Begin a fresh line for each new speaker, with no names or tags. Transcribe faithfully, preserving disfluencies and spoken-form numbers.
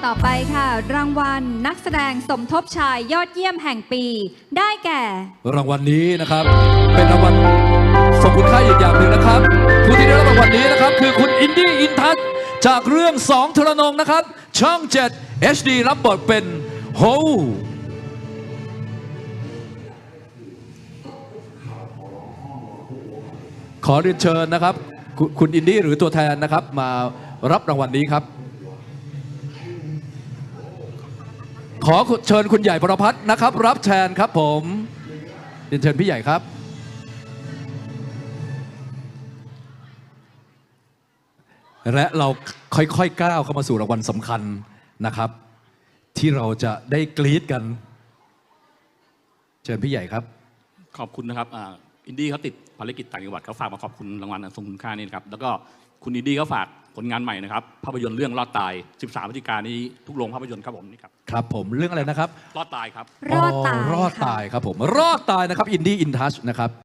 ต่อไปค่ะ รางวัลนักแสดงสมทบชายยอดเยี่ยมแห่งปี ได้แก่
รางวัลนี้นะครับเป็นรางวัลทรงคุณค่าอีกอย่างหนึ่งนะครับผู้ที่ได้รับรางวัลนี้นะครับคือคุณอินดี้อินทัศน์จากเรื่องสองทรนงนะครับช่อง เจ็ด เอช ดี รับบทเป็นโฮขอเรียนเชิญนะครับคุณคุณอินดี้หรือตัวแทนนะครับมารับรางวัลนี้ครับขอเชิญคุณใหญ่ประภัสนะครับรับแทนครับผมเรียนเชิญพี่ใหญ่ครับและเราค่อยๆก้าวเข้ามาสู่รางวัลสำคัญนะครับที่เราจะได้กรี๊ดกันเชิญพี่ใหญ่ครับ
ขอบคุณนะครับอินดี้เขาติดภารกิจต่างจังหวัดเขาฝากมาขอบคุณรางวัลอันทรงคุณค่านี่นะครับแล้วก็คุณอินดี้เขาฝากผลงานใหม่นะครับภาพยนตร์เรื่องรอดตายสิบสามพฤศจิกายนนี้ทุกโรงภาพยนตร์ครับผมนี่ครับ
ครับผมเรื่องอะไรนะครับ
รอดตายครับ
รอดตาย
รอดตายครับผมรอดตายนะครับอินดี้อินทัชนะครับ